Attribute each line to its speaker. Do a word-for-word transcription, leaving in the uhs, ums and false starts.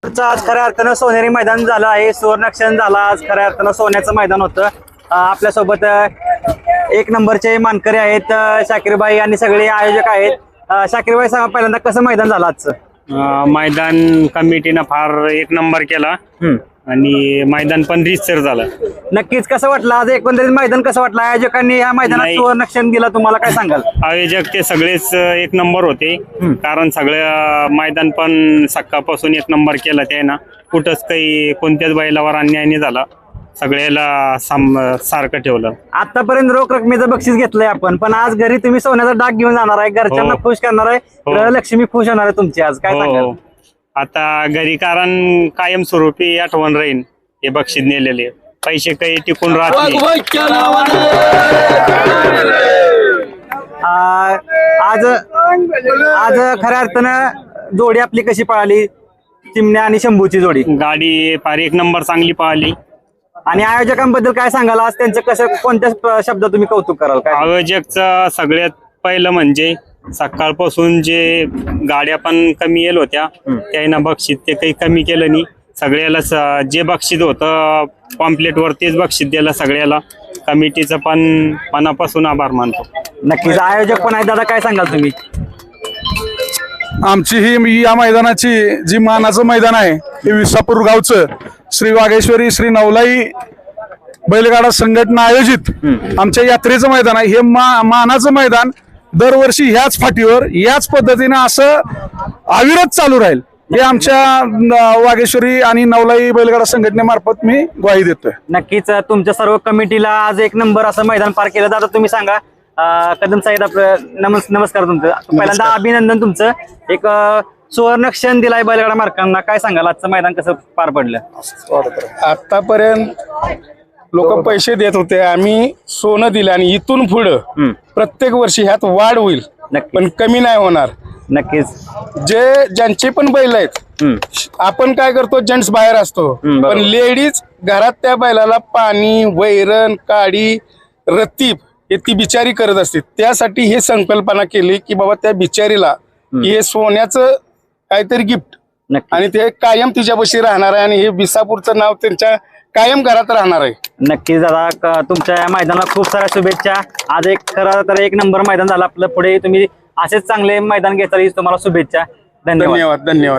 Speaker 1: आज खऱ्या अर्थानं सोनेरी मैदान झालं आहे. सुवर्णक्षण झाला आज खऱ्या अर्थानं सोन्याचं मैदान होतं. आपल्यासोबत एक नंबरचे मानकरी आहेत शाकीरबाई आणि सगळे आयोजक आहेत. शाकीरबाई सांगा पहिल्यांदा कसं मैदान झालं आजचं?
Speaker 2: मैदान कमिटीनं फार एक नंबर केला आणि मैदान पण रीतसर झालं.
Speaker 1: नक्कीच कसं वाटलं आज एकंदरीत मैदान कसं वाटलं? आयोजकांनी या मैदानात सुवर्णक्षण दिला, तुम्हाला काय सांगाल?
Speaker 2: आयोजक ते सगळेच एक नंबर होते, कारण सगळं मैदान पण सकाळपासून एक नंबर केला त्यानं. कुठंच काही कोणत्याच बैलावर अन्याय नाही झाला, सगळ्याला सारखं ठेवलं.
Speaker 1: आतापर्यंत रोख रकमेचं बक्षीस घेतलंय आपण, पण आज घरी तुम्ही सोन्याचा डाग घेऊन जाणार आहे, घरच्यांना खुश करणार आहे, ग्रहलक्ष्मी खुश होणार आहे तुमची आज, काय सांगाल?
Speaker 2: आता घरी कारण कायमस्वरूपी आठवण राहील हे बक्षीस नेलेले. पैसे काही टिकून राहत नाही.
Speaker 1: आज आज खऱ्या अर्थानं जोडी आपली कशी पळाली, चिमण्या आणि शंभूची जोडी?
Speaker 2: गाडी फार एक नंबर चांगली पळाली.
Speaker 1: आणि आयोजकांबद्दल काय सांगाल आज? त्यांचं कसं, कोणत्या शब्दात तुम्ही कौतुक कराल? काय
Speaker 2: आयोजकचं सगळ्यात पहिलं म्हणजे सकाळपासून जे गाड्या पण कमी येल होत्या त्यानं बक्षीस ते काही कमी केलं नाही. सगळ्याला जे बक्षीस होतं पॉम्पलेट वर तेच बक्षीस दिलं सगळ्याला. कमिटीचं पण मनापासून आभार मानतो.
Speaker 1: नक्कीच आयोजक पण आहे. दादा काय सांगाल तुम्ही?
Speaker 3: आमची ही या मैदानाची जी मानाचं मैदान आहे हे विसापूर गावचं श्री वाघेश्वरी श्री नवलाई बैलगाडा संघटना आयोजित आमच्या यात्रेचं मैदान आहे. हे मा मानाचं मैदान दरवर्षी ह्याच फाटीवर याच पद्धतीने असं अविरत चालू राहील हे आमच्या वाघेश्वरी आणि नवलाई बैलगाडा संघटनेमार्फत मी ग्वाही देतोय.
Speaker 1: नक्कीच तुमच्या सर्व कमिटीला आज एक नंबर असं मैदान पार केलं. दादा तुम्ही सांगा. कदम साहेब आपलं नमस् नमस्कार तुमचं. पहिल्यांदा अभिनंदन तुमचं. एक सुवर्ण क्षण दिलाय बैलगाडा मार्कांना, काय सांगाल आजचं मैदान कसं पार पडलं?
Speaker 4: आतापर्यंत लोक पैसे देत होते, आम्ही सोनं दिलं आणि इथून पुढं प्रत्येक वर्षी ह्यात वाढ होईल, पण कमी नाही होणार.
Speaker 1: नक्कीच
Speaker 4: जे ज्यांचे पण बैल आहेत, आपण काय करतो जेंट्स बाहेर असतो, पण लेडीज घरात त्या बैलाला पाणी, वैरण, काडी, रतीब हे ती बिचारी करत असते. त्यासाठी हे संकल्पना केली की बाबा त्या बिचारीला हे सोन्याचं काहीतरी गिफ्ट आणि ते कायम तिच्यापाशी राहणार आहे आणि हे विसापूरचं नाव त्यांच्या कायम घरात राहणार आहे.
Speaker 1: नक्कीच दादा तुमच्या या मैदानाला खूप साऱ्या शुभेच्छा. आज एक खरं तर एक नंबर मैदान झालं आपलं. पुढे तुम्ही असेच चांगले मैदान घेता येईल, तुम्हाला शुभेच्छा. धन्यवाद
Speaker 4: धन्यवाद धन्यवाद.